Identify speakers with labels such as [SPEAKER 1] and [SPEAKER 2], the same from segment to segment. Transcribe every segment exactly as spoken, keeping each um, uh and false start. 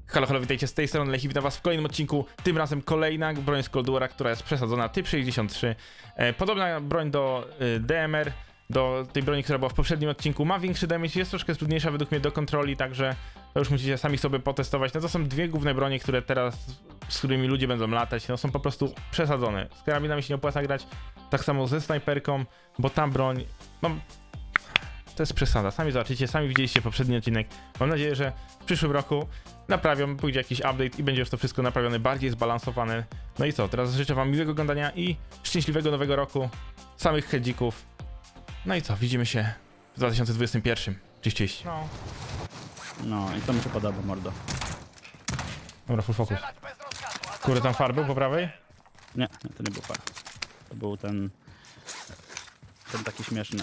[SPEAKER 1] Halo, halo, witajcie z tej strony Lechi, witam was w kolejnym odcinku. Tym razem kolejna broń z Cold War'a, która jest przesadzona, typ sześćdziesiąt trzy. E, podobna broń do y, D M R, do tej broni, która była w poprzednim odcinku. Ma większy damage, jest troszkę trudniejsza według mnie do kontroli, także to już musicie sami sobie potestować. No to są dwie główne bronie, które teraz, z którymi ludzie będą latać, no są po prostu przesadzone. Z karabinami się nie opłaca grać, tak samo ze snajperką, bo ta broń, no, to jest przesada. Sami zobaczycie, sami widzieliście poprzedni odcinek. Mam nadzieję, że w przyszłym roku naprawią, pójdzie jakiś update i będzie już to wszystko naprawione, bardziej zbalansowane. No i co, teraz życzę wam miłego oglądania i szczęśliwego nowego roku, samych headzików. No i co, widzimy się w dwa tysiące dwudziestym pierwszym. Cześć, cześć. No.
[SPEAKER 2] No i to mi się podoba, mordo.
[SPEAKER 1] Dobra, full focus. Kurde, tam far był po prawej?
[SPEAKER 2] Nie, nie, to nie był far. To był ten... Ten taki śmieszny.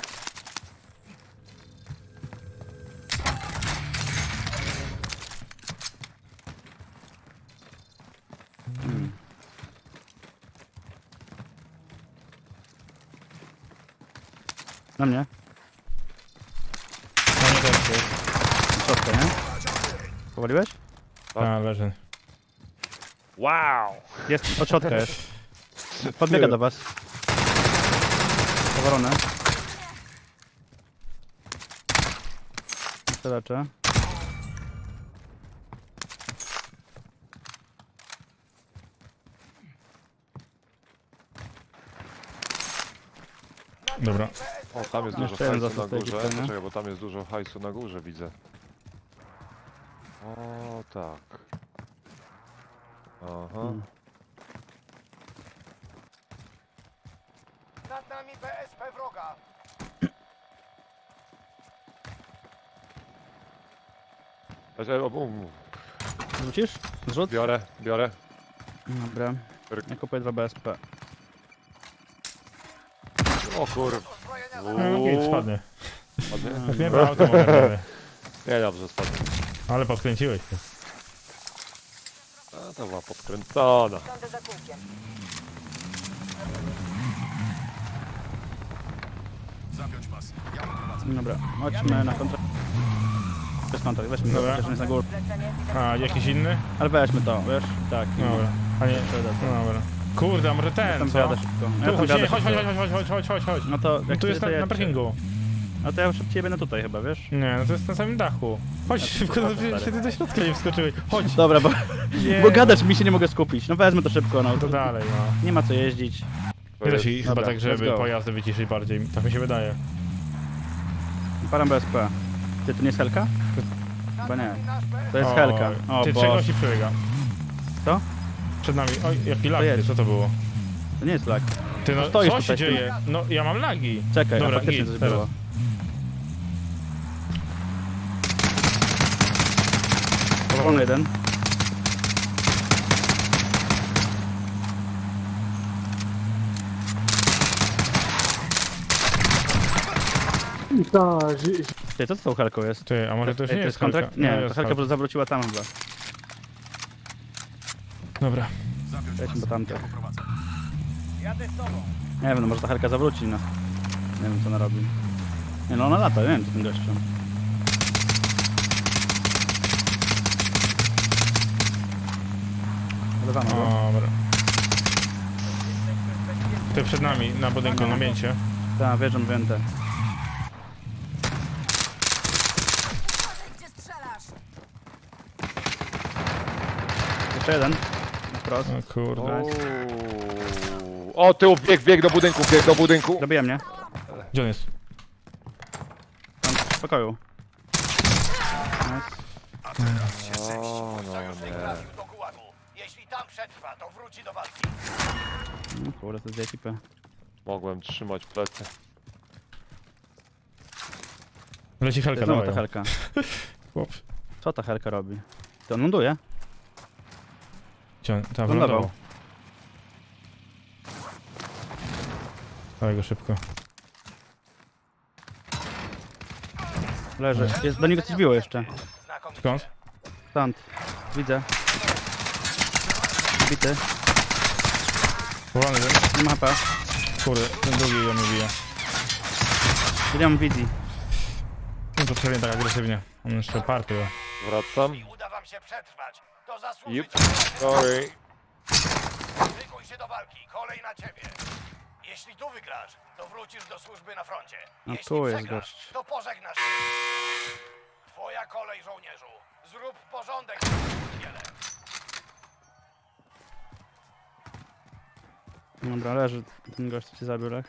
[SPEAKER 2] Hmm. Na mnie?
[SPEAKER 1] No nie, to jest.
[SPEAKER 2] Środkę, nie? Powaliłeś?
[SPEAKER 1] A, leży.
[SPEAKER 3] Wow!
[SPEAKER 2] Jest, od środka jest. Podbiega do was. Powalone. Jeszcze leczę.
[SPEAKER 1] Dobra.
[SPEAKER 3] O, tam jest dużo
[SPEAKER 2] Jeszcze jeden
[SPEAKER 3] hajsu na
[SPEAKER 2] został w tej
[SPEAKER 3] górze.
[SPEAKER 2] ekipie, nie?
[SPEAKER 3] Poczekaj, bo tam jest dużo hajsu na górze, widzę. O, tak. Aha.
[SPEAKER 2] Hmm.
[SPEAKER 4] Nad nami B S P wroga.
[SPEAKER 3] Znaczy, o, um,
[SPEAKER 2] Wrócisz? Zrzut?
[SPEAKER 3] biorę, biorę.
[SPEAKER 2] Dobra.
[SPEAKER 3] Ryk.
[SPEAKER 2] Ja kupuję dwa B S P.
[SPEAKER 3] O kur...
[SPEAKER 1] No, git, spadnie.
[SPEAKER 3] Ładnie?
[SPEAKER 1] Jak nie brał, to mogę.
[SPEAKER 3] Nie, dobrze, spadnie.
[SPEAKER 1] Ale podkręciłeś się.
[SPEAKER 3] A, to była podkręcona.
[SPEAKER 4] Siądę za kółkiem.
[SPEAKER 2] Dobra, chodźmy na kontrakt. Bez kontrakt, weźmy to,
[SPEAKER 1] Dobra.
[SPEAKER 2] chociaż on jest na górze.
[SPEAKER 4] Zlecenie
[SPEAKER 1] A, jakiś inny?
[SPEAKER 2] Ale weźmy to, wiesz? Tak.
[SPEAKER 1] Dobra. A nie, no dobra. Kurde, a może
[SPEAKER 2] Ja
[SPEAKER 1] ten,
[SPEAKER 2] tam
[SPEAKER 1] co?
[SPEAKER 2] wjadę szybko. Ja
[SPEAKER 1] Tu,
[SPEAKER 2] tam
[SPEAKER 1] chodź, nie,
[SPEAKER 2] wjadę
[SPEAKER 1] chodź,
[SPEAKER 2] szybko.
[SPEAKER 1] chodź, chodź, chodź, chodź, chodź, chodź, chodź.
[SPEAKER 2] No to
[SPEAKER 1] No
[SPEAKER 2] jak
[SPEAKER 1] tu jest na,
[SPEAKER 2] chcecie,
[SPEAKER 1] na
[SPEAKER 2] to
[SPEAKER 1] parkingu.
[SPEAKER 2] No to ja szybciej będę tutaj chyba, wiesz?
[SPEAKER 1] Nie, no to jest na samym dachu. Chodź
[SPEAKER 2] Ja tu
[SPEAKER 1] szybko,
[SPEAKER 2] szybko
[SPEAKER 1] no przecież
[SPEAKER 2] stary.
[SPEAKER 1] ty do środka nie wskoczyłeś. Chodź.
[SPEAKER 2] Dobra, bo,
[SPEAKER 1] Nie,
[SPEAKER 2] bo gadasz mi się nie mogę skupić. No wezmę to szybko, no.
[SPEAKER 1] To dalej, no.
[SPEAKER 2] Nie ma co jeździć.
[SPEAKER 3] To
[SPEAKER 1] Nie da
[SPEAKER 3] jest...
[SPEAKER 1] się chyba
[SPEAKER 2] Dobra,
[SPEAKER 1] tak,
[SPEAKER 2] let's
[SPEAKER 1] żeby
[SPEAKER 2] go.
[SPEAKER 1] pojazdy wyciszyć bardziej. Tak mi się wydaje.
[SPEAKER 2] Param B S P. Ty, to nie jest Helka? Chyba nie. To jest
[SPEAKER 1] O,
[SPEAKER 2] Helka. O
[SPEAKER 1] Ty
[SPEAKER 2] Boże.
[SPEAKER 1] czegoś ci przebiega.
[SPEAKER 2] Co?
[SPEAKER 1] Przed nami. Oj, jaki lag,
[SPEAKER 2] jedź.
[SPEAKER 1] ty, co to było?
[SPEAKER 2] To nie jest lag.
[SPEAKER 1] Ty, no
[SPEAKER 2] Stoisz
[SPEAKER 1] co się
[SPEAKER 2] tutaj, ty-
[SPEAKER 1] dzieje? No, ja mam lagi.
[SPEAKER 2] Czekaj,
[SPEAKER 1] Dobra,
[SPEAKER 2] a faktycznie
[SPEAKER 1] git,
[SPEAKER 2] coś
[SPEAKER 1] teraz.
[SPEAKER 2] było. Powolny jeden. Ty, co z tą Helką jest?
[SPEAKER 1] Ty, a może to już
[SPEAKER 2] Ej,
[SPEAKER 1] nie
[SPEAKER 2] to
[SPEAKER 1] jest
[SPEAKER 2] jest kontrakt?
[SPEAKER 1] Helka?
[SPEAKER 2] Nie,
[SPEAKER 1] No,
[SPEAKER 2] to
[SPEAKER 1] jest
[SPEAKER 2] Helka
[SPEAKER 1] Helka.
[SPEAKER 2] po- zawróciła tam chyba.
[SPEAKER 1] Dobra.
[SPEAKER 2] Weźmy do tamte.
[SPEAKER 4] Jadę z tobą.
[SPEAKER 2] Nie wiem, no może ta Helka zawróci, no. Nie wiem co ona robi. Nie no, ona lata, nie wiem co tym gościem. Wylewamy go.
[SPEAKER 1] Dobra. Ty przed nami, na budynku, na mięcie.
[SPEAKER 2] Tak, wierzę, wędę.
[SPEAKER 4] Gdzie strzelasz?
[SPEAKER 2] Jeszcze jeden. Na wprost.
[SPEAKER 1] O kurde.
[SPEAKER 3] O, o tył, bieg, bieg do budynku, bieg do budynku.
[SPEAKER 2] Dobija mnie.
[SPEAKER 1] Gdzie on jest?
[SPEAKER 2] Tam w pokoju. Nice.
[SPEAKER 3] O, no nie.
[SPEAKER 4] Trafił do gułagu. Jeśli tam przetrwa, to wróci do walki.
[SPEAKER 2] No kurde, to jest z ekipy.
[SPEAKER 3] Mogłem trzymać plecy.
[SPEAKER 1] Leci
[SPEAKER 2] To
[SPEAKER 1] Helka,
[SPEAKER 2] jest znowu
[SPEAKER 1] dawaj.
[SPEAKER 2] ta
[SPEAKER 1] ją.
[SPEAKER 2] Helka.
[SPEAKER 1] Chłop.
[SPEAKER 2] Co ta Helka robi? To on ląduje?
[SPEAKER 1] Gdzie on? Tam
[SPEAKER 2] Lądował.
[SPEAKER 1] wylądował. Dawaj go szybko.
[SPEAKER 2] Leży. Jest, do niego coś biło jeszcze.
[SPEAKER 4] Znakomicie.
[SPEAKER 1] Skąd?
[SPEAKER 2] Stąd. Widzę. Bity.
[SPEAKER 1] Powolny ten.
[SPEAKER 2] Nie ma H P.
[SPEAKER 1] Kurde, ten drugi ją nie bije.
[SPEAKER 2] Nie mam wizji.
[SPEAKER 1] No to pewnie tak agresywnie. On jeszcze party.
[SPEAKER 3] Wracam.
[SPEAKER 4] Uda wam się przetrwać. przetrwać, to zasłużyć.
[SPEAKER 3] Yep. Sorry.
[SPEAKER 4] Szykuj się do walki, kolej na ciebie. Jeśli tu wygrasz, to wrócisz do służby na froncie.
[SPEAKER 2] No
[SPEAKER 4] Jeśli
[SPEAKER 2] tu jest
[SPEAKER 4] przegrasz,
[SPEAKER 2] gość.
[SPEAKER 4] to pożegnasz się. Twoja kolej, żołnierzu. Zrób porządek w tym dziele.
[SPEAKER 2] Dobra, leży ten gość, co cię zabił, Lech.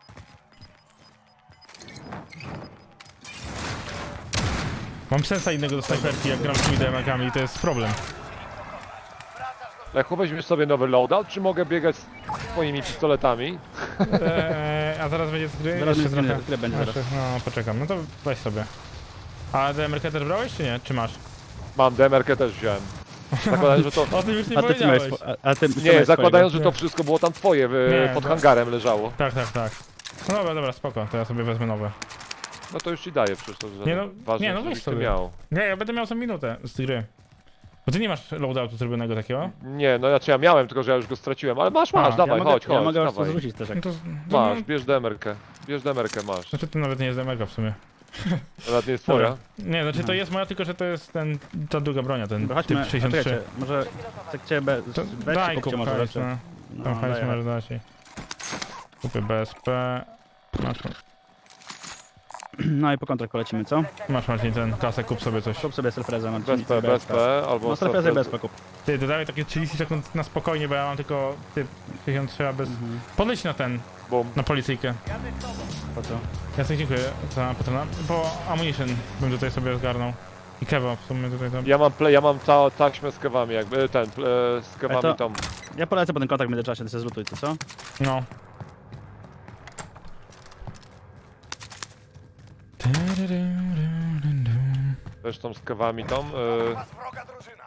[SPEAKER 1] Mam sensa innego do snajperki, jak gram z tymi D M R-kami i to jest problem.
[SPEAKER 3] Lechu, weźmiesz sobie nowy loadout, czy mogę biegać z twoimi pistoletami?
[SPEAKER 1] Eee, a zaraz będzie z gry?
[SPEAKER 2] Zaraz
[SPEAKER 1] Jeszcze
[SPEAKER 2] będzie-
[SPEAKER 1] trochę.
[SPEAKER 2] z gry będzie
[SPEAKER 1] Jeszcze-
[SPEAKER 2] zaraz.
[SPEAKER 1] No, poczekam. No to weź sobie. A D M R-kę też brałeś, czy nie? Czy masz?
[SPEAKER 3] Mam, D M R-kę też wziąłem. Zakładając, że to...
[SPEAKER 1] O tym już nie
[SPEAKER 2] A ty co miałeś?
[SPEAKER 1] powiedziałeś.
[SPEAKER 2] swo- A, a ty co
[SPEAKER 3] Nie,
[SPEAKER 2] miałeś
[SPEAKER 3] zakładając, że
[SPEAKER 1] swojego?
[SPEAKER 3] to wszystko było tam twoje, w,
[SPEAKER 1] Nie,
[SPEAKER 3] pod
[SPEAKER 1] to-
[SPEAKER 3] hangarem leżało.
[SPEAKER 1] Tak, tak, tak. No dobra, dobra, spoko, to ja sobie wezmę nowe.
[SPEAKER 3] No to już ci daję przecież, to że
[SPEAKER 1] Nie no,
[SPEAKER 3] ważne,
[SPEAKER 1] nie no,
[SPEAKER 3] żebyś
[SPEAKER 1] weź
[SPEAKER 3] ty
[SPEAKER 1] sobie.
[SPEAKER 3] miał.
[SPEAKER 1] Nie, ja będę miał co minutę z tej gry. Bo ty nie masz loadoutu zrobionego takiego?
[SPEAKER 3] Nie, no znaczy ja miałem, tylko że ja już go straciłem, ale masz, masz,
[SPEAKER 1] A,
[SPEAKER 3] dawaj,
[SPEAKER 2] ja mogę,
[SPEAKER 3] chodź,
[SPEAKER 2] ja
[SPEAKER 3] chodź,
[SPEAKER 2] mogę was
[SPEAKER 3] dawaj.
[SPEAKER 2] zrzucić też jak...
[SPEAKER 1] No to, to
[SPEAKER 3] Masz,
[SPEAKER 1] no,
[SPEAKER 3] bierz D M R-kę, bierz D M R-kę, masz.
[SPEAKER 1] znaczy to nawet nie jest D M R-ka w sumie.
[SPEAKER 3] Nawet nie jest twoja.
[SPEAKER 1] Dobra. Nie, znaczy to jest moja, tylko że to jest ten, ta druga bronia, ten
[SPEAKER 2] Dobra, chodźmy,
[SPEAKER 1] typ
[SPEAKER 2] a
[SPEAKER 1] sześćdziesiąt trzy.
[SPEAKER 2] czekajcie, może tak cię be...
[SPEAKER 1] To
[SPEAKER 2] weź
[SPEAKER 1] daj
[SPEAKER 2] kupcie
[SPEAKER 1] kup
[SPEAKER 2] może
[SPEAKER 1] hajs,
[SPEAKER 2] rzeczy.
[SPEAKER 1] no.
[SPEAKER 2] No,
[SPEAKER 1] Tam hajs
[SPEAKER 2] daję.
[SPEAKER 1] może dać i... Kupię B S P. Masz,
[SPEAKER 2] No i po kontrakt polecimy, co?
[SPEAKER 1] masz Marcin ten kasę, kup sobie coś.
[SPEAKER 2] Kup sobie selfreza, Marcin.
[SPEAKER 3] Bez P, bez P, albo
[SPEAKER 2] No selfreza i bez P kup.
[SPEAKER 1] Ty, dodaj takie trzydzieści sekund na spokojnie, bo ja mam tylko typ sześćdziesiąt trzy, a bez...
[SPEAKER 2] Mhm.
[SPEAKER 1] Podleć na ten,
[SPEAKER 3] Bum.
[SPEAKER 1] na policyjkę.
[SPEAKER 2] Po co?
[SPEAKER 1] Jasne, dziękuję za patrona. Bo ammunition bym tutaj sobie zgarnął. I kewa w sumie tutaj tam.
[SPEAKER 3] Ja mam play, ja mam ta, taśmę z kewami, jakby, ten, e, z kewami
[SPEAKER 2] to-
[SPEAKER 3] tą.
[SPEAKER 2] Ja polecę po ten kontakt w międzyczasie, ty się zlutuj, to co?
[SPEAKER 1] No.
[SPEAKER 3] Zresztą z kewami tą.
[SPEAKER 4] Na
[SPEAKER 3] E,
[SPEAKER 4] was wroga drużyna.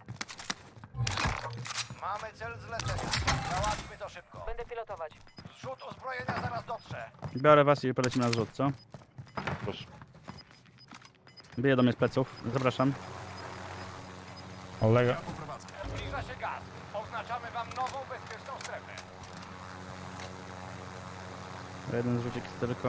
[SPEAKER 4] Mamy cel zlecenia. Załatwmy to szybko.
[SPEAKER 5] Będę pilotować.
[SPEAKER 4] Zrzut uzbrojenia zaraz dotrze.
[SPEAKER 2] Biorę was i polecimy na zrzut, co?
[SPEAKER 3] proszę.
[SPEAKER 2] Bije do mnie z pleców, zapraszam.
[SPEAKER 1] Olega.
[SPEAKER 4] Zbliża się gaz. Oznaczamy wam nową bezpieczną strefę.
[SPEAKER 2] Jeden zrzucik tylko.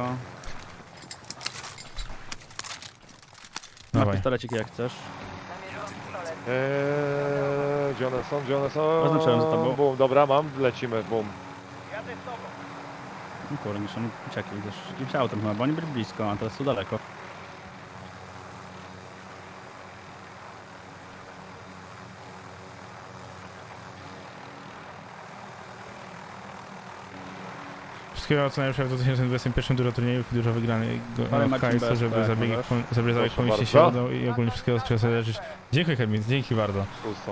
[SPEAKER 2] Ma
[SPEAKER 1] Dawaj.
[SPEAKER 2] pistolecik jak chcesz.
[SPEAKER 5] Namierzony pistolet.
[SPEAKER 3] Eee, gdzie one są, gdzie one są?
[SPEAKER 2] Oznaczyłem za tobą.
[SPEAKER 3] Bum, dobra, mam, lecimy, bum.
[SPEAKER 4] Jadę z tobą.
[SPEAKER 2] No kurde, niż oni uciekli też jakimś autem chyba, bo oni byli blisko, a teraz są daleko.
[SPEAKER 1] Wszystkiego co najlepsze w dwa tysiące dwudziestym pierwszym, dużo turniejów i dużo wygranych
[SPEAKER 2] Ale Marcin
[SPEAKER 1] hajsu,
[SPEAKER 2] B S P,
[SPEAKER 1] żeby zabiegi,
[SPEAKER 2] możesz?
[SPEAKER 1] żeby zabieg
[SPEAKER 3] Proszę
[SPEAKER 1] pomieścić się
[SPEAKER 3] bardzo.
[SPEAKER 1] udało i ogólnie wszystkiego z czego sobie leżysz. Dziękuję Hermin, dzięki bardzo.
[SPEAKER 3] Tu są.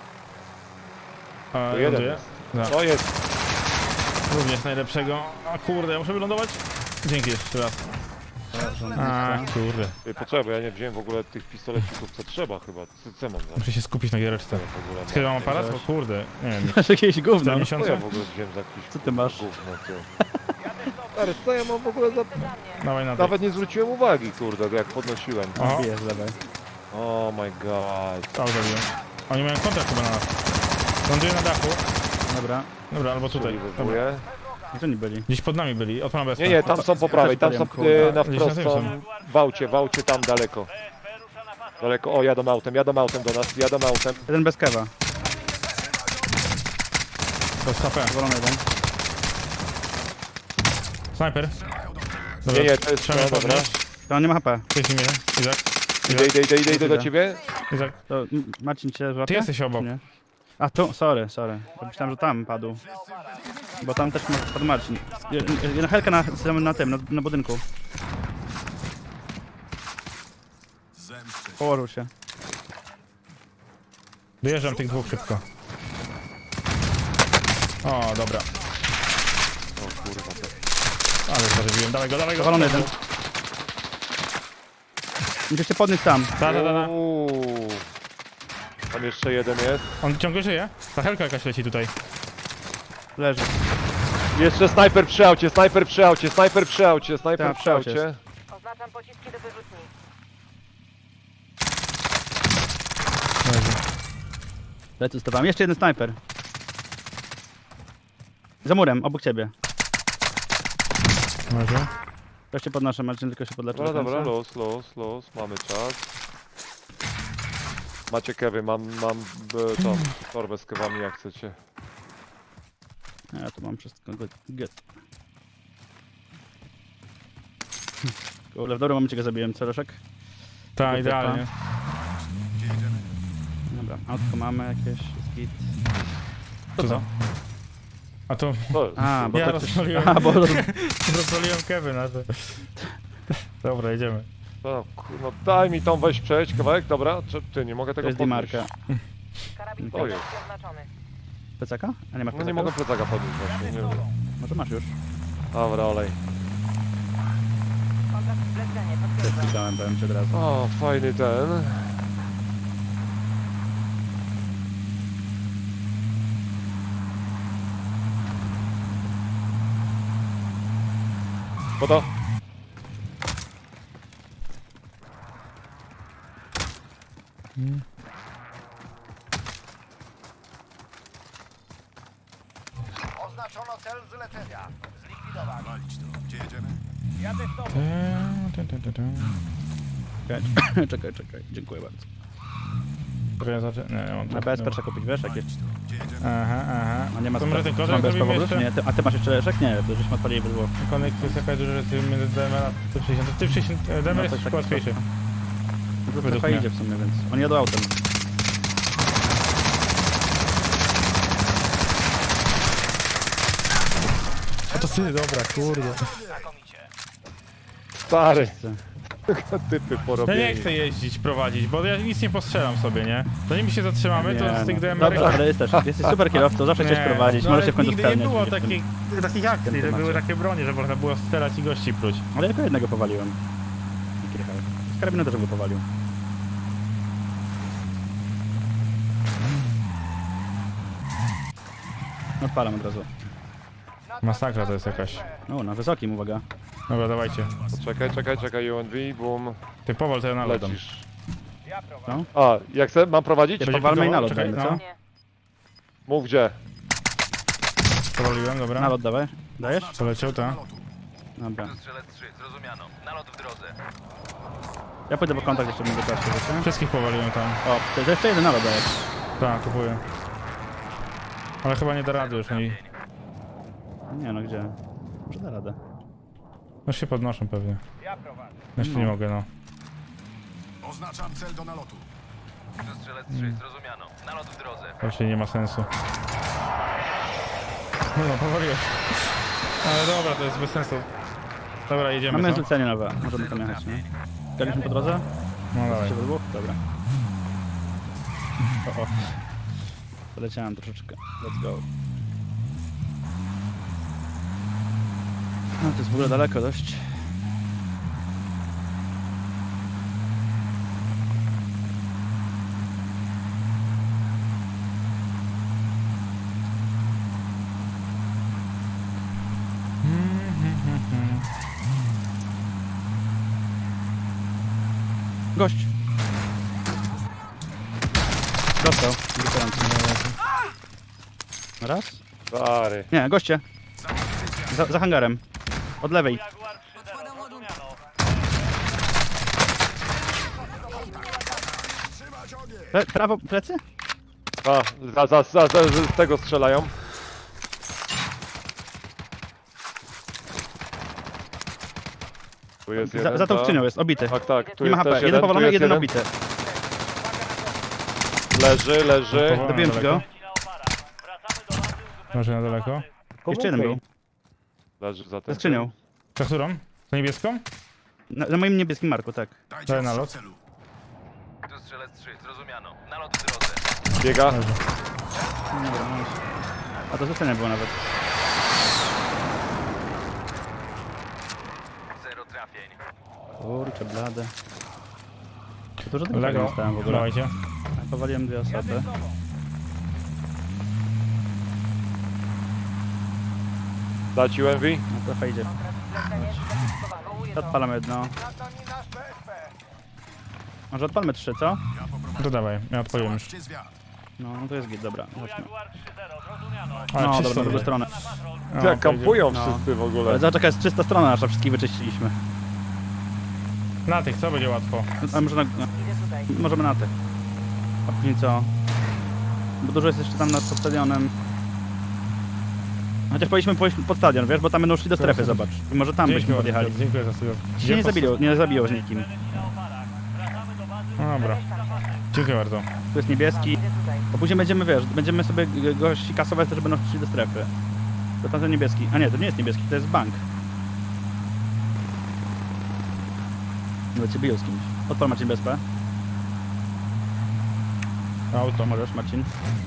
[SPEAKER 1] A,
[SPEAKER 3] To jeden
[SPEAKER 1] ląduję?
[SPEAKER 3] jest.
[SPEAKER 1] Tak.
[SPEAKER 3] To jest.
[SPEAKER 1] Również najlepszego. A kurde, ja muszę wylądować? Dzięki jeszcze raz. A kurde,
[SPEAKER 3] Ej, poczekaj, bo ja nie wziąłem w ogóle tych pistolecików, co trzeba chyba. Co, co mam za
[SPEAKER 1] muszę się skupić na giereczce.
[SPEAKER 3] w ogóle?
[SPEAKER 1] Kiedy mam
[SPEAKER 3] mam?
[SPEAKER 1] aparat? Bo kurde, nie wiem,
[SPEAKER 2] Masz jakieś gówno.
[SPEAKER 3] Co ja
[SPEAKER 1] cztery
[SPEAKER 3] w ogóle wziąłem za jakiś
[SPEAKER 2] Co ty masz?
[SPEAKER 3] gówno, ty? Stary, co ja mam w ogóle za...
[SPEAKER 5] Za mnie.
[SPEAKER 1] Dawaj na
[SPEAKER 3] Nawet nie zwróciłem uwagi, kurde, jak podnosiłem.
[SPEAKER 1] Oho,
[SPEAKER 2] Bije z lewej.
[SPEAKER 3] Oh my god.
[SPEAKER 1] tak zrobiłem. Oni mają kontrakt chyba na nas. Ląduję na dachu.
[SPEAKER 2] Dobra.
[SPEAKER 1] Dobra, albo tutaj. Dobra.
[SPEAKER 3] Przygotowuję.
[SPEAKER 2] Gdzie oni byli?
[SPEAKER 1] Gdzieś pod nami byli, odpalam bez
[SPEAKER 3] Nie, nie, tam są po prawej, tam są
[SPEAKER 2] Kurde.
[SPEAKER 3] e, na
[SPEAKER 1] Gdzieś na
[SPEAKER 3] wprost
[SPEAKER 1] tym
[SPEAKER 3] są.
[SPEAKER 1] są.
[SPEAKER 3] W aucie, w aucie tam daleko. Daleko, o jadą autem, jadą autem do nas, jadą autem.
[SPEAKER 2] Jeden bez kewa.
[SPEAKER 1] To jest H P.
[SPEAKER 2] Zwolony jeden.
[SPEAKER 1] Snajper. Dobra,
[SPEAKER 3] Nie, nie, to jest
[SPEAKER 1] trzeba
[SPEAKER 3] no,
[SPEAKER 1] mnie
[SPEAKER 3] dobra.
[SPEAKER 1] podnieść.
[SPEAKER 2] To on nie ma H P.
[SPEAKER 1] Cześć imię. Izak.
[SPEAKER 3] Idę, idę, idę, idę, idę do ciebie.
[SPEAKER 1] Izak.
[SPEAKER 2] To m, Marcin cię złapie?
[SPEAKER 1] Ty jesteś
[SPEAKER 2] Czy
[SPEAKER 1] obok.
[SPEAKER 2] nie? A tu, sorry, sorry. Ja myślałem, że tam padł. Bo tam też ma- padł Marcin. Je- Jedna helka na, na tym, na, na budynku. Położył się.
[SPEAKER 1] Dojeżdżam tych dwóch szybko. O, dobra.
[SPEAKER 3] O kurwa, to...
[SPEAKER 1] Ale zażywiłem. Dawaj go, dawaj go.
[SPEAKER 2] Powalony jeden. Musisz się podnieść tam.
[SPEAKER 1] Da, da, da, da.
[SPEAKER 3] Uuu. Tam jeszcze jeden jest.
[SPEAKER 1] On ciągle żyje? Ta helka jakaś leci tutaj.
[SPEAKER 2] Leży.
[SPEAKER 3] Jeszcze snajper przy aucie, snajper przy aucie, snajper przy aucie, snajper
[SPEAKER 2] Tak,
[SPEAKER 3] przy
[SPEAKER 2] przy aucie
[SPEAKER 3] aucie.
[SPEAKER 5] Oznaczam pociski do wyrzutni.
[SPEAKER 1] Leży.
[SPEAKER 2] Lecę z tobą. Jeszcze jeden snajper. Za murem, obok ciebie.
[SPEAKER 1] Leży.
[SPEAKER 2] Ja się podnoszę, Marcin tylko się podleczy.
[SPEAKER 3] Dobra,
[SPEAKER 2] do
[SPEAKER 3] dobra,
[SPEAKER 2] końca.
[SPEAKER 3] los, los, los, mamy czas. Macie kewy, mam, mam e, tą torbę z kewami jak chcecie.
[SPEAKER 2] Ja tu mam wszystko. Good. Good. Kurde, w dobrym momencie go zabiłem, co Leszek?
[SPEAKER 1] Tak,
[SPEAKER 2] Dobra.
[SPEAKER 1] idealnie.
[SPEAKER 2] Dobra, autko mamy jakieś, skit.
[SPEAKER 1] Co to? A to
[SPEAKER 3] To,
[SPEAKER 2] A, bo
[SPEAKER 1] ja
[SPEAKER 2] to ktoś...
[SPEAKER 1] rozwaliłem,
[SPEAKER 2] A, bo...
[SPEAKER 1] rozwaliłem kewy na to. Dobra, idziemy.
[SPEAKER 3] to, kur- no daj mi tą, weź przejdź kawałek, dobra? Czy ty, nie mogę
[SPEAKER 2] To
[SPEAKER 3] tego
[SPEAKER 2] jest
[SPEAKER 3] podnieść.
[SPEAKER 2] Dimarka.
[SPEAKER 5] Karabin
[SPEAKER 3] To jest.
[SPEAKER 5] celowski oznaczony.
[SPEAKER 2] Plecaka? A nie masz
[SPEAKER 3] No
[SPEAKER 2] plecaka?
[SPEAKER 3] nie mogę plecaka podnieść właśnie, nie wiem.
[SPEAKER 2] Może masz już.
[SPEAKER 3] Dobra, olej.
[SPEAKER 5] Kontakt zlecenie,
[SPEAKER 2] Też
[SPEAKER 5] potwierdzam.
[SPEAKER 2] widziałem, powiem ci od razu.
[SPEAKER 3] O, fajny ten. Woda.
[SPEAKER 4] Oznaczono cel zlecenia. Zlikwidowany.
[SPEAKER 6] Walić to. Gdzie jedziemy?
[SPEAKER 4] Jadę z tobą.
[SPEAKER 1] Dun, dun, dun, dun.
[SPEAKER 2] Czekaj, czekaj, czekaj. Dziękuję bardzo.
[SPEAKER 1] Czekaj, zaczę- Nie, nie mam
[SPEAKER 2] Na
[SPEAKER 1] tak,
[SPEAKER 2] B S P
[SPEAKER 1] dobra.
[SPEAKER 2] trzeba kupić, wiesz, jakieś...
[SPEAKER 6] Walić to. Gdzie jedziemy?
[SPEAKER 1] Aha, aha.
[SPEAKER 2] A nie ma
[SPEAKER 1] To może ten kozak
[SPEAKER 2] bez
[SPEAKER 1] zrobimy
[SPEAKER 2] powodu?
[SPEAKER 1] jeszcze?
[SPEAKER 2] Nie, ty, a ty masz jeszcze Leszek? Nie, to żeśmy odpalili bydło.
[SPEAKER 1] Konekcja jest jakaś duża, że ty między D M R a T sześćdziesiąt. Ty sześćdziesiąt, D M R
[SPEAKER 2] No,
[SPEAKER 1] jest
[SPEAKER 2] to
[SPEAKER 1] troszkę
[SPEAKER 2] tak-
[SPEAKER 1] łatwiejszy.
[SPEAKER 2] No to
[SPEAKER 1] Według
[SPEAKER 2] strefa
[SPEAKER 1] mnie.
[SPEAKER 2] idzie w sumie, więc... Oni jadą autem.
[SPEAKER 1] A to ty, dobra, kurde.
[SPEAKER 4] Znakomicie.
[SPEAKER 3] Stary,
[SPEAKER 2] Wszyscy.
[SPEAKER 3] typy
[SPEAKER 1] Ja
[SPEAKER 3] porobieni.
[SPEAKER 1] nie chcę jeździć, prowadzić, bo ja nic nie postrzelam sobie, nie? Zanim się zatrzymamy, to z tych
[SPEAKER 2] no.
[SPEAKER 1] D M R...
[SPEAKER 2] Dobra, ale jesteś, jesteś super kierowcą, zawsze chcesz prowadzić,
[SPEAKER 1] no,
[SPEAKER 2] możesz
[SPEAKER 1] ale
[SPEAKER 2] się w końcu
[SPEAKER 1] nigdy nie
[SPEAKER 2] spełniać.
[SPEAKER 1] było
[SPEAKER 2] w tym-
[SPEAKER 1] takich, takich akcji, że
[SPEAKER 2] temacie.
[SPEAKER 1] były takie bronie, że można było strzelać i gości pluć.
[SPEAKER 2] Ale jako jednego powaliłem. Jak jechałem. Z karabinu też go powalił. Odpalam od razu.
[SPEAKER 1] Masakra to jest jakaś.
[SPEAKER 2] O, na wysokim, uwaga.
[SPEAKER 1] Dobra, dawajcie.
[SPEAKER 3] Czekaj, czekaj, czekaj, U N V, boom,
[SPEAKER 1] Ty powol, to ja nalotam.
[SPEAKER 3] lecisz.
[SPEAKER 4] Ja prowadzę.
[SPEAKER 3] A, jak chcę, mam prowadzić?
[SPEAKER 1] Będzie
[SPEAKER 2] Powalmy i
[SPEAKER 1] próbował?
[SPEAKER 2] nalot
[SPEAKER 1] Czekaj,
[SPEAKER 2] dajmy,
[SPEAKER 1] no.
[SPEAKER 2] co?
[SPEAKER 5] Nie.
[SPEAKER 3] Mów gdzie.
[SPEAKER 1] Powoliłem, dobra.
[SPEAKER 2] Nalot dawaj. Dajesz?
[SPEAKER 1] Poleciał, tak.
[SPEAKER 2] Dobra.
[SPEAKER 4] Strzelec trzy, zrozumiano. Nalot w drodze.
[SPEAKER 2] Ja pójdę po kontakt jeszcze w międzyczasie, wiecie?
[SPEAKER 1] Wszystkich powoliłem tam.
[SPEAKER 2] O, to jeszcze jeden nalot dajesz.
[SPEAKER 1] Tak, kupuję. Ale chyba nie da rady już, oni
[SPEAKER 2] Nie no, gdzie? Może da radę.
[SPEAKER 1] już się podnoszą pewnie.
[SPEAKER 4] Ja prowadzę.
[SPEAKER 1] Jeszcze
[SPEAKER 2] No.
[SPEAKER 1] nie mogę, no.
[SPEAKER 6] Oznaczam cel do nalotu.
[SPEAKER 4] Strzelec trzy, zrozumiano. Nalot w drodze.
[SPEAKER 1] Raczej nie ma sensu. No, no powoliłem. Ale dobra, to jest bez sensu. Dobra, jedziemy,
[SPEAKER 2] Mamy
[SPEAKER 1] co?
[SPEAKER 2] zlecenie nowe, możemy tam jechać, nie? Zgadliśmy po drodze?
[SPEAKER 1] No dawaj.
[SPEAKER 2] Jesteście we dwóch? Dobra. O, o. Poleciałem troszeczkę. Let's go. No to jest w ogóle daleko dość. Gość. Dostał. Wypierający. Raz?
[SPEAKER 3] Stary.
[SPEAKER 2] Nie, goście. Za, za hangarem. Od lewej.
[SPEAKER 4] Jaguar trzy zero, zrozumiano.
[SPEAKER 6] Trzymać ogień.
[SPEAKER 2] Pre, prawo, plecy?
[SPEAKER 3] A, za, za, za, za, z tego strzelają. Tu jest jeden,
[SPEAKER 2] Za, za tą
[SPEAKER 3] tak.
[SPEAKER 2] skrzynią jest, obity.
[SPEAKER 3] Tak, tak, tu
[SPEAKER 2] Nie ma
[SPEAKER 3] jest
[SPEAKER 2] H P.
[SPEAKER 3] też
[SPEAKER 2] Jeden
[SPEAKER 3] jeden, tu
[SPEAKER 2] powalony,
[SPEAKER 3] jest
[SPEAKER 2] jeden
[SPEAKER 3] jeden.
[SPEAKER 2] obity.
[SPEAKER 3] Leży, leży.
[SPEAKER 1] Powolony.
[SPEAKER 2] Dobiłem ci go.
[SPEAKER 4] Leci na opara. Wracamy do bazy, uzupełniamy
[SPEAKER 1] Może na daleko?
[SPEAKER 4] bazy.
[SPEAKER 2] Jeszcze jeden był.
[SPEAKER 3] Leży za
[SPEAKER 2] Za
[SPEAKER 3] tym.
[SPEAKER 2] skrzynią.
[SPEAKER 1] Za którą? Za niebieską?
[SPEAKER 2] Na, na moim niebieskim marku, tak.
[SPEAKER 6] Dajcie
[SPEAKER 1] Daj
[SPEAKER 6] ostrzał
[SPEAKER 1] nalot.
[SPEAKER 6] celu.
[SPEAKER 4] Tu strzelec trzy, zrozumiano. Nalot w drodze.
[SPEAKER 3] Biega.
[SPEAKER 2] Dobra, no już. A to zlecenie było nawet.
[SPEAKER 4] Zero trafień.
[SPEAKER 2] Kurczę, blade. To dużo tego
[SPEAKER 1] Lego.
[SPEAKER 2] dostałem w ogóle.
[SPEAKER 1] Dawajcie.
[SPEAKER 2] Powaliłem dwie osoby.
[SPEAKER 3] Dać U N V.
[SPEAKER 2] No trochę idzie.
[SPEAKER 5] Zlecenie zidentyfikowane.
[SPEAKER 2] Odpalam jedno.
[SPEAKER 4] Na to nie nasz P S P.
[SPEAKER 2] Może odpalmy trzy, co?
[SPEAKER 6] Ja poprowadzę.
[SPEAKER 1] To dawaj, ja odpaliłem już.
[SPEAKER 6] Zobaczcie zwiat.
[SPEAKER 2] No, no to jest git, dobra. Chodźmy.
[SPEAKER 4] Jaguar trzy zero, zrozumiano.
[SPEAKER 1] Ale
[SPEAKER 2] No,
[SPEAKER 1] czysto
[SPEAKER 2] dobra, na drugą
[SPEAKER 1] będzie.
[SPEAKER 2] stronę.
[SPEAKER 1] No,
[SPEAKER 3] Jak
[SPEAKER 1] to
[SPEAKER 3] kampują
[SPEAKER 2] No.
[SPEAKER 3] wszyscy w
[SPEAKER 2] Ale
[SPEAKER 3] ogóle.
[SPEAKER 2] zobacz, jaka jest czysta strona nasza, wszystkich wyczyściliśmy.
[SPEAKER 1] idzie. Na tych, co będzie łatwo.
[SPEAKER 2] A może na, no,
[SPEAKER 5] Idę tutaj.
[SPEAKER 2] możemy na tych. A później co? Bo dużo jest jeszcze tam nad pod stadionem. Chociaż powinniśmy pójść pod stadion, wiesz, bo tam będą szli do strefy, zobacz. I może tam byśmy podjechali.
[SPEAKER 1] Dziękuję za studio.
[SPEAKER 2] Ci się nie zabiło, nie zabiło z nikim.
[SPEAKER 1] No dobra. Dziękuję bardzo.
[SPEAKER 2] Tu jest niebieski.
[SPEAKER 5] Idę tutaj.
[SPEAKER 2] Bo później będziemy, wiesz, będziemy sobie g- gości kasować, też będą szli do strefy. To tamten niebieski. A nie, to nie jest niebieski, to jest bank. No cię biją z kimś. Odpal Marcin B S P.
[SPEAKER 1] Auto.
[SPEAKER 2] Możesz, Marcin.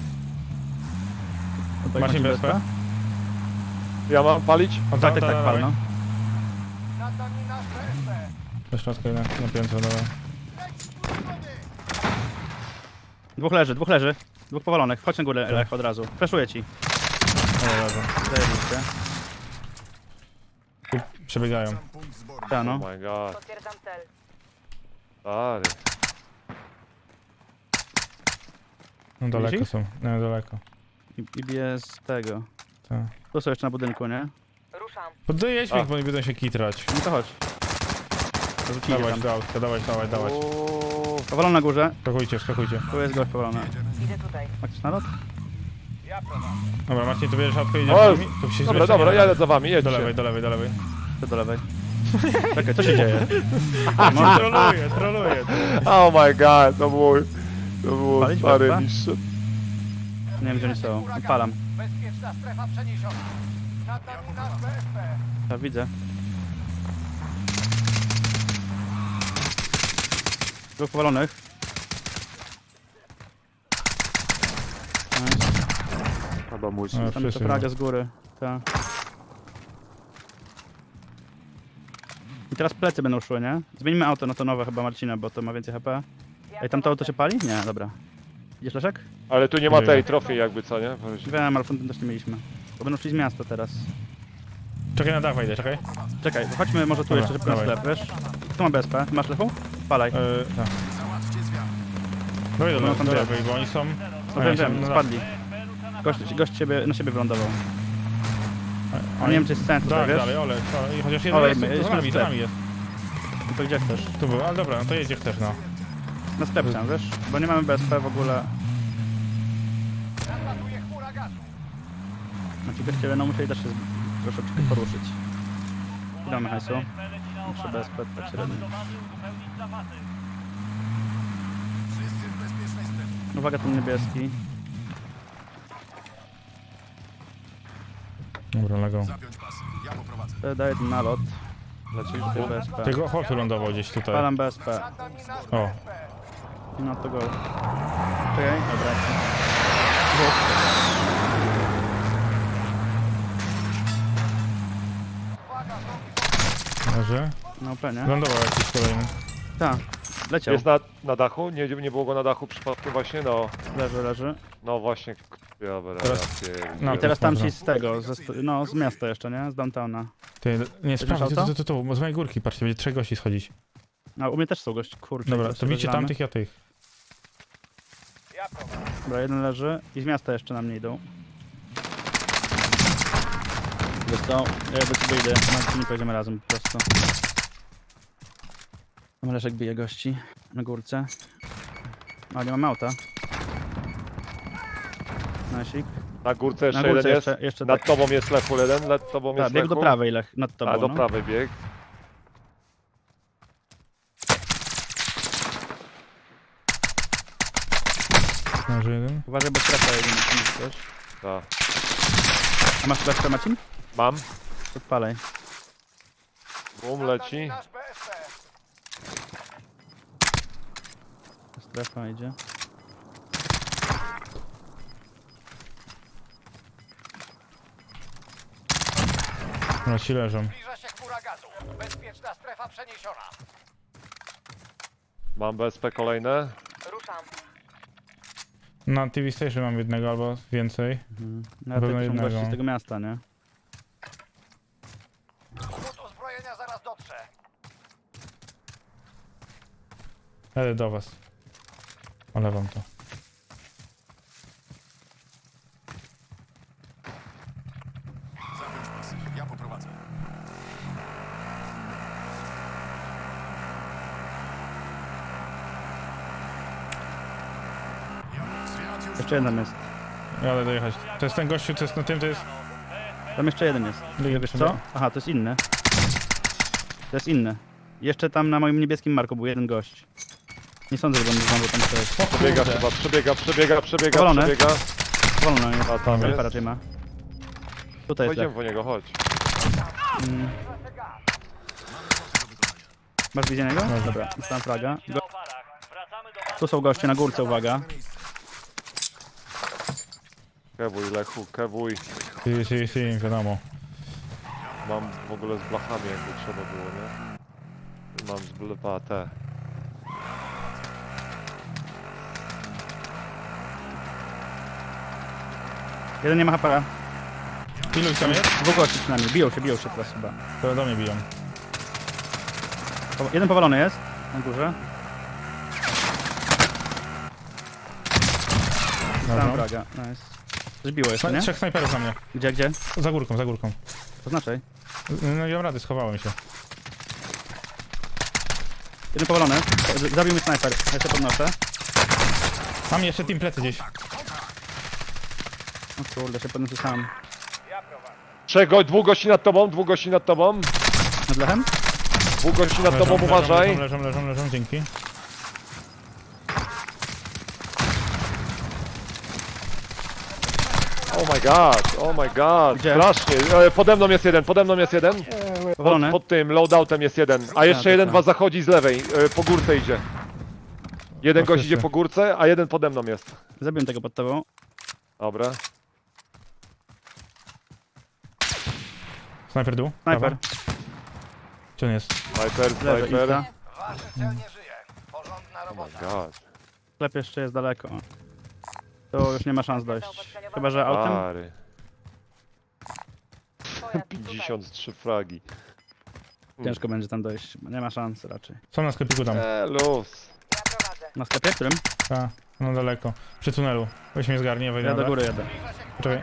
[SPEAKER 2] Odpal
[SPEAKER 1] Marcin B S P?
[SPEAKER 3] Ja mam palić?
[SPEAKER 1] O,
[SPEAKER 2] Tak, tak, tak, pal, no.
[SPEAKER 4] Nad nami nasz B S P.
[SPEAKER 1] Do środka na, na piętro, dobra.
[SPEAKER 2] Dwóch leży, dwóch leży. Dwóch powalonych. Chodź na górę, Lech, od razu. Freszuję ci.
[SPEAKER 1] Dobra, dobra.
[SPEAKER 2] Zajebiście.
[SPEAKER 1] Tu przebiegają.
[SPEAKER 6] Sam punkt zborny.
[SPEAKER 2] Ta, no.
[SPEAKER 3] Oh my god.
[SPEAKER 5] Potwierdzam cel.
[SPEAKER 3] Stary.
[SPEAKER 1] No daleko
[SPEAKER 2] Widzisz?
[SPEAKER 1] są. No daleko.
[SPEAKER 2] I, i bije z tego.
[SPEAKER 1] Tak.
[SPEAKER 2] Tu są jeszcze na budynku, nie?
[SPEAKER 5] Ruszam.
[SPEAKER 1] Poddojedź
[SPEAKER 3] A.
[SPEAKER 1] mi, bo nie będą się kitrać.
[SPEAKER 2] No to chodź. To rzucili
[SPEAKER 1] Dawać
[SPEAKER 2] tam.
[SPEAKER 1] do autka, dawać, dawać, dawać.
[SPEAKER 3] Uuu.
[SPEAKER 2] Powalony na górze.
[SPEAKER 1] Skakujcie, skakujcie.
[SPEAKER 2] Tu jest gość powalony.
[SPEAKER 5] Idę tutaj.
[SPEAKER 2] Masz nalot?
[SPEAKER 4] Ja prowadzę.
[SPEAKER 1] Dobra, Marcin, tu bierzesz autko i
[SPEAKER 3] O,
[SPEAKER 1] idziesz z nimi? Tu się
[SPEAKER 3] Dobra,
[SPEAKER 1] zresztą
[SPEAKER 3] dobra,
[SPEAKER 1] nie
[SPEAKER 3] jadę
[SPEAKER 1] da.
[SPEAKER 3] za wami,
[SPEAKER 1] Do
[SPEAKER 3] jedźcie.
[SPEAKER 1] lewej, do lewej, do lewej.
[SPEAKER 2] Ty do lewej. Czekaj, co się dzieje?
[SPEAKER 1] Troluję, troluję.
[SPEAKER 3] Oh my god, to było... To było
[SPEAKER 2] Palić
[SPEAKER 3] stary
[SPEAKER 2] B S P?
[SPEAKER 3] niższe.
[SPEAKER 2] Nie wiem, gdzie oni są. Odpalam.
[SPEAKER 4] Bezpieczna strefa przeniesiona. Nad nami nasz B S P.
[SPEAKER 2] Ja widzę. Dwóch powalonych. Nice.
[SPEAKER 3] Chyba musi.
[SPEAKER 1] No,
[SPEAKER 2] Tam jeszcze
[SPEAKER 1] wszyscy
[SPEAKER 2] fraga z góry. Ta. I teraz plecy będą szły, nie? Zmienimy auto na to nowe chyba Marcina, bo to ma więcej H P. Ej, tam to auto się pali? Nie, dobra. Idziesz, Leszek?
[SPEAKER 3] Ale tu nie ma
[SPEAKER 1] Nie
[SPEAKER 3] tej
[SPEAKER 1] wiem.
[SPEAKER 3] trofii jakby, co nie?
[SPEAKER 2] Wiem, ale fontem też nie mieliśmy. Bo będą szli z miasta teraz.
[SPEAKER 1] Czekaj, na dach wejdę, czekaj.
[SPEAKER 2] Czekaj, chodźmy może tu
[SPEAKER 1] Dobra,
[SPEAKER 2] jeszcze szybko na
[SPEAKER 1] dawaj.
[SPEAKER 2] sklep, wiesz? Tu ma B S P. Masz Lechu? Palaj.
[SPEAKER 1] Yy, tak.
[SPEAKER 6] Załatwcie zwiat.
[SPEAKER 1] Dawaj do,
[SPEAKER 2] No,
[SPEAKER 1] do,
[SPEAKER 2] tam
[SPEAKER 1] do
[SPEAKER 2] jest.
[SPEAKER 1] lewej, bo oni są...
[SPEAKER 2] No wiem, wiem, spadli. Gość, gość ciebie, na siebie wylądował. A nie wiem, czy jest sens tutaj,
[SPEAKER 1] Tak,
[SPEAKER 2] wiesz?
[SPEAKER 1] dalej, ole, ole, chociaż jeden
[SPEAKER 2] Olej,
[SPEAKER 1] jest,
[SPEAKER 2] my
[SPEAKER 1] to za
[SPEAKER 2] jedźmy
[SPEAKER 1] nami,
[SPEAKER 2] w
[SPEAKER 1] za
[SPEAKER 2] sklep.
[SPEAKER 1] nami jest.
[SPEAKER 2] No to gdzie chcesz?
[SPEAKER 1] Tu był, ale dobra, no to jedzie też, no.
[SPEAKER 2] Na sklep chciałem, wiesz? Bo nie mamy B S P w ogóle.
[SPEAKER 4] Nadlatuje chmura gazu.
[SPEAKER 2] Znaczy gość ciebie, no musieli też się z- troszeczkę poruszyć. Ile mamy hajsu? Muszę B S P tak średnio.
[SPEAKER 6] Wszyscy w bezpiecznej strefie.
[SPEAKER 2] Uwaga, ten niebieski.
[SPEAKER 1] Dobra, legą.
[SPEAKER 6] Zapiąć pas. Ja poprowadzę.
[SPEAKER 2] To daję ten nalot.
[SPEAKER 3] Lecisz
[SPEAKER 2] Tutaj
[SPEAKER 3] tu?
[SPEAKER 2] B S P.
[SPEAKER 1] Tego chłop lądował gdzieś tutaj.
[SPEAKER 2] Palam B S P.
[SPEAKER 4] Nad nami nasz
[SPEAKER 1] O.
[SPEAKER 4] B S P.
[SPEAKER 2] No to go. Czekaj, dobra.
[SPEAKER 1] Może?
[SPEAKER 2] No pewnie.
[SPEAKER 1] Lądował jakiś kolejny.
[SPEAKER 2] Tak, leciał.
[SPEAKER 3] Jest na, na dachu? Nie, nie było go na dachu przypadkiem właśnie? No,
[SPEAKER 2] Leży, leży.
[SPEAKER 3] no właśnie. Dobra,
[SPEAKER 1] Teraz-
[SPEAKER 3] ja pierd-
[SPEAKER 1] no.
[SPEAKER 2] I teraz tam
[SPEAKER 1] można.
[SPEAKER 2] ci z tego, ze, st- no z miasta jeszcze, nie? Z downtowna.
[SPEAKER 1] Ty, nie, sprawdź, tu,
[SPEAKER 2] auto?
[SPEAKER 1] tu, tu, tu, z mojej górki, patrzcie, będzie trzech gości schodzić.
[SPEAKER 2] A u mnie też są gości, kurczę.
[SPEAKER 1] Dobra,
[SPEAKER 2] zaraz
[SPEAKER 1] to bicie
[SPEAKER 2] rozgramy.
[SPEAKER 1] tamtych, ja tych.
[SPEAKER 4] Ja prowadzę.
[SPEAKER 2] Dobra, jeden leży i z miasta jeszcze na mnie idą. Wiesz co? Ja do ciebie idę, Marcin, pojedziemy razem po prostu. Tam Leszek bije gości na górce. Ale nie mamy auta. Nasik.
[SPEAKER 3] Na górce
[SPEAKER 2] Na
[SPEAKER 3] jeszcze
[SPEAKER 2] górce
[SPEAKER 3] jeden
[SPEAKER 2] jeszcze,
[SPEAKER 3] jest.
[SPEAKER 2] jeszcze
[SPEAKER 3] Nad
[SPEAKER 2] tak.
[SPEAKER 3] tobą jest lechu jeden, nad tobą
[SPEAKER 2] Tak,
[SPEAKER 3] jest
[SPEAKER 2] bieg do
[SPEAKER 3] lechu.
[SPEAKER 2] prawej, Lech, nad tobą.
[SPEAKER 3] A, do
[SPEAKER 2] no.
[SPEAKER 3] prawej bieg.
[SPEAKER 1] Może jeden?
[SPEAKER 2] Uważaj, bo strefa jedzie na tym coś.
[SPEAKER 3] Tak.
[SPEAKER 2] A masz fleszkę, Marcin?
[SPEAKER 3] Mam.
[SPEAKER 2] Odpalaj.
[SPEAKER 3] Bum,
[SPEAKER 4] Nad nami
[SPEAKER 3] leci.
[SPEAKER 4] nasz B S P.
[SPEAKER 2] Strefa idzie.
[SPEAKER 1] No ci leżą.
[SPEAKER 4] Zbliża się chmura gazu. Bezpieczna strefa przeniesiona.
[SPEAKER 3] Mam B S P kolejne.
[SPEAKER 5] Ruszam.
[SPEAKER 1] Na T V Station mam jednego albo więcej.
[SPEAKER 2] Mhm. No,
[SPEAKER 1] Pewno
[SPEAKER 2] to są
[SPEAKER 1] jednego.
[SPEAKER 2] gości z tego miasta, nie?
[SPEAKER 4] Skrót uzbrojenia zaraz dotrze.
[SPEAKER 1] Jadę do was. Olewam to.
[SPEAKER 6] Zapiąć pas. Ja poprowadzę.
[SPEAKER 2] Jeszcze jeden jest.
[SPEAKER 1] Jadę dojechać. To jest ten gościu, co jest na tym, to jest...
[SPEAKER 2] Tam jeszcze jeden jest.
[SPEAKER 1] Drugi
[SPEAKER 2] Wiesz
[SPEAKER 1] sobie.
[SPEAKER 2] co? Aha, to jest inny. To jest inny. Jeszcze tam na moim niebieskim marku był jeden gość. Nie sądzę, że on znowu tam coś.
[SPEAKER 3] Przebiega chyba, przebiega, przebiega, przebiega,
[SPEAKER 2] Powalone.
[SPEAKER 3] przebiega.
[SPEAKER 2] Wolno jest.
[SPEAKER 3] A tam
[SPEAKER 2] Alfa
[SPEAKER 3] jest.
[SPEAKER 2] raczej ma. Tutaj jest.
[SPEAKER 3] Pójdziemy
[SPEAKER 2] Tak.
[SPEAKER 3] po niego, chodź.
[SPEAKER 2] Mm. Masz wizję niego? Dobra, dostałem fraga. Go... Tu są goście na górce, uwaga.
[SPEAKER 3] Kewuj, Lechu, kewuj.
[SPEAKER 1] Si, si, si, wiadomo.
[SPEAKER 3] Mam w ogóle z blachami, jakby trzeba było, nie? Mam z blepa te.
[SPEAKER 2] Jeden nie ma H P.
[SPEAKER 1] Ilu ich tam jest?
[SPEAKER 2] Dwóch gości przynajmniej. Biją się, biją się teraz chyba.
[SPEAKER 1] To do mnie biją.
[SPEAKER 2] Po- Jeden powalony jest. Na górze. Dostałem
[SPEAKER 1] Dobra.
[SPEAKER 2] fraga. Nice. Coś biło jeszcze, nie?
[SPEAKER 1] Trzech snajperów na mnie.
[SPEAKER 2] Gdzie, gdzie?
[SPEAKER 1] Za górką, za górką.
[SPEAKER 2] To znaczy.
[SPEAKER 1] No nie mam rady, schowałem się.
[SPEAKER 2] Jeden powalony. Z- Zabił mi snajper. Ja się podnoszę.
[SPEAKER 1] Mam jeszcze team plecy gdzieś.
[SPEAKER 2] O kurde, się podnoszę sam.
[SPEAKER 3] Trzech go, dwóch gości nad tobą, dwóch gości nad tobą.
[SPEAKER 2] Nad lechem?
[SPEAKER 3] Dwóch gości nad tobą,
[SPEAKER 1] leżą,
[SPEAKER 3] uważaj.
[SPEAKER 1] leżą, leżą, leżą, leżą, dzięki.
[SPEAKER 3] Oh my god, oh my god.
[SPEAKER 2] Gdzie?
[SPEAKER 3] Strasznie. E, Pode mną jest jeden, pode mną jest jeden. Pod,
[SPEAKER 2] Powalony.
[SPEAKER 3] pod tym loadoutem jest jeden. A jeszcze
[SPEAKER 2] to
[SPEAKER 3] jeden
[SPEAKER 2] tak.
[SPEAKER 3] was zachodzi z lewej, e, po górce idzie. Jeden
[SPEAKER 1] O,
[SPEAKER 3] gość
[SPEAKER 1] wszyscy.
[SPEAKER 3] idzie po górce, a jeden pode mną jest.
[SPEAKER 2] Zabiłem tego pod tobą.
[SPEAKER 3] Dobra.
[SPEAKER 1] Snajper dół.
[SPEAKER 2] Snajper.
[SPEAKER 1] Prawa. Gdzie on jest?
[SPEAKER 3] Sniper,
[SPEAKER 2] Lewy,
[SPEAKER 3] sniper.
[SPEAKER 2] insta.
[SPEAKER 4] Wasz cel nie żyje. Porządna
[SPEAKER 3] Oh my
[SPEAKER 4] robota.
[SPEAKER 3] god.
[SPEAKER 2] Sklep jeszcze jest daleko. Tu już nie ma szans dojść. Chyba, że autem?
[SPEAKER 3] Pary.
[SPEAKER 5] Pojazd tutaj.
[SPEAKER 3] pięćdziesiąt trzy fragi.
[SPEAKER 2] Ciężko będzie tam dojść. Nie ma szans raczej.
[SPEAKER 1] Są na sklepiku tam.
[SPEAKER 3] Eee, luz.
[SPEAKER 5] Ja prowadzę.
[SPEAKER 2] Na sklepie, którym?
[SPEAKER 1] Ta, no daleko. Przy tunelu. Weź mnie zgarnie, wejdę
[SPEAKER 2] Ja
[SPEAKER 1] na
[SPEAKER 2] do
[SPEAKER 1] dach.
[SPEAKER 2] góry jadę.
[SPEAKER 1] Poczekaj.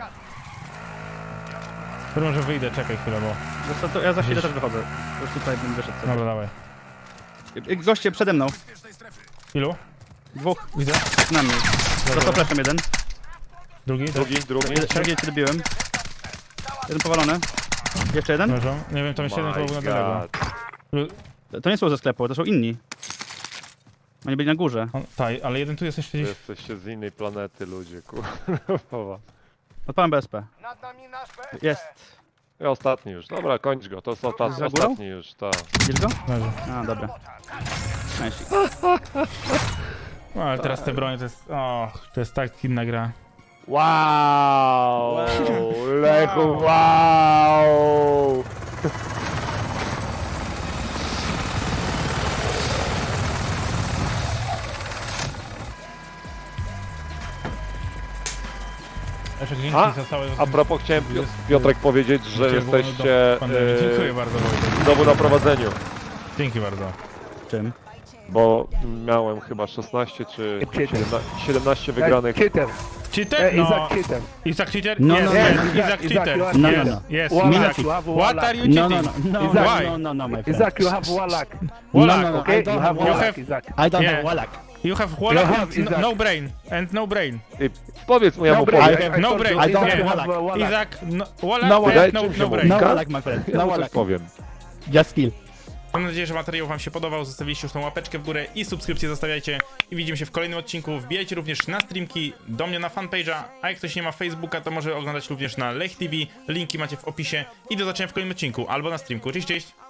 [SPEAKER 1] Dobra, może wyjdę, czekaj chwilę, bo...
[SPEAKER 2] Wiesz co, to ja za chwilę
[SPEAKER 1] Gdzieś.
[SPEAKER 2] też wychodzę. Już tutaj bym wyszedł sobie.
[SPEAKER 1] Dobra, dawaj.
[SPEAKER 2] Y, Goście przede mną.
[SPEAKER 6] Bezpiecznej strefy.
[SPEAKER 1] Ilu?
[SPEAKER 2] Dwóch.
[SPEAKER 1] Widzę.
[SPEAKER 2] Na mnie. Dostał fleszem jeden.
[SPEAKER 1] Drugi?
[SPEAKER 3] Drugi, drugi.
[SPEAKER 2] Jeden- Drugi cię dobiłem. Jeden powalony. Jeszcze jeden?
[SPEAKER 1] Leżą. Nie wiem, tam jeszcze jeden chyba był na
[SPEAKER 3] My
[SPEAKER 1] daleko.
[SPEAKER 3] god.
[SPEAKER 2] To nie są ze sklepu, to są inni. Oni byli na górze.
[SPEAKER 1] On, tak, ale jeden tu jest jeszcze
[SPEAKER 3] Wy
[SPEAKER 1] gdzieś.
[SPEAKER 3] jesteście z innej planety, ludzie, kurwa.
[SPEAKER 2] Odpalam B S P.
[SPEAKER 4] Nad nami nasz B S P.
[SPEAKER 2] Jest.
[SPEAKER 3] I ostatni już. Dobra, kończ go. To jest osta-
[SPEAKER 2] Za górą?
[SPEAKER 3] ostatni już, tak.
[SPEAKER 2] Widzisz go?
[SPEAKER 1] Leży.
[SPEAKER 2] A, dobra. Nice.
[SPEAKER 1] No, ale teraz te bronie to jest... O, to jest tak inna gra.
[SPEAKER 3] Wow! Lechu, wow!
[SPEAKER 1] Jeszcze dzięki
[SPEAKER 3] A,
[SPEAKER 1] za całe...
[SPEAKER 3] A propos chciałem Piotrek powiedzieć, że
[SPEAKER 1] Dziękuję, było
[SPEAKER 3] jesteście
[SPEAKER 1] do pandemii. Dziękuję
[SPEAKER 3] e,
[SPEAKER 1] bardzo, Wojtek.
[SPEAKER 3] znowu na prowadzeniu.
[SPEAKER 1] Dzięki bardzo.
[SPEAKER 2] Czym?
[SPEAKER 3] Bo miałem chyba szesnaście czy siedemnaście, siedemnaście wygranych.
[SPEAKER 7] Cheater.
[SPEAKER 1] Cheater?
[SPEAKER 7] Uh,
[SPEAKER 1] No.
[SPEAKER 7] Isaac cheater.
[SPEAKER 1] Isaac cheater?
[SPEAKER 2] No,
[SPEAKER 1] yes,
[SPEAKER 2] no, no,
[SPEAKER 1] yes.
[SPEAKER 2] no.
[SPEAKER 1] Isaac
[SPEAKER 7] Isaac,
[SPEAKER 1] cheater.
[SPEAKER 7] you are
[SPEAKER 2] No,
[SPEAKER 1] yes,
[SPEAKER 2] no, no.
[SPEAKER 1] yes,
[SPEAKER 7] Wallach,
[SPEAKER 1] Isaac.
[SPEAKER 7] you have
[SPEAKER 1] What
[SPEAKER 7] Wallach.
[SPEAKER 1] are you
[SPEAKER 2] No, no,
[SPEAKER 1] cheating?
[SPEAKER 2] no, no,
[SPEAKER 7] Isaac.
[SPEAKER 1] Why?
[SPEAKER 2] no, no, no, my friend.
[SPEAKER 7] Isaac, you have Wallach.
[SPEAKER 1] Wallach,
[SPEAKER 2] no, no,
[SPEAKER 7] Okay,
[SPEAKER 2] I don't
[SPEAKER 7] you
[SPEAKER 2] have
[SPEAKER 7] have
[SPEAKER 1] You
[SPEAKER 7] Wallach,
[SPEAKER 1] have-
[SPEAKER 7] Isaac.
[SPEAKER 2] I don't
[SPEAKER 1] Yeah.
[SPEAKER 2] have Wallach.
[SPEAKER 1] You have Wallach
[SPEAKER 7] have
[SPEAKER 1] and
[SPEAKER 7] Isaac.
[SPEAKER 1] no brain. And no brain.
[SPEAKER 3] I powiedz mu, ja mu
[SPEAKER 7] No,
[SPEAKER 3] powiem.
[SPEAKER 7] brain. I
[SPEAKER 1] No
[SPEAKER 7] told
[SPEAKER 1] brain.
[SPEAKER 7] you,
[SPEAKER 2] I don't
[SPEAKER 7] Isaac, you
[SPEAKER 2] have
[SPEAKER 7] have uh, Wallach.
[SPEAKER 1] Isaac, no, Wallach
[SPEAKER 2] No
[SPEAKER 1] and
[SPEAKER 2] Wallach.
[SPEAKER 1] no,
[SPEAKER 3] Dajcie
[SPEAKER 1] no
[SPEAKER 3] mi
[SPEAKER 1] brain.
[SPEAKER 3] się
[SPEAKER 2] No Wallach, my friend.
[SPEAKER 3] Ja
[SPEAKER 2] No
[SPEAKER 3] mu coś
[SPEAKER 2] Wallach.
[SPEAKER 3] powiem.
[SPEAKER 2] Just kill.
[SPEAKER 1] Mam nadzieję, że materiał wam się podobał. Zostawiliście już tą łapeczkę w górę i subskrypcję zostawiajcie. I widzimy się w kolejnym odcinku. Wbijajcie również na streamki, do mnie na fanpage'a. A jak ktoś nie ma Facebooka, to może oglądać również na Lech T V. Linki macie w opisie. I do zobaczenia w kolejnym odcinku albo na streamku. Cześć, cześć!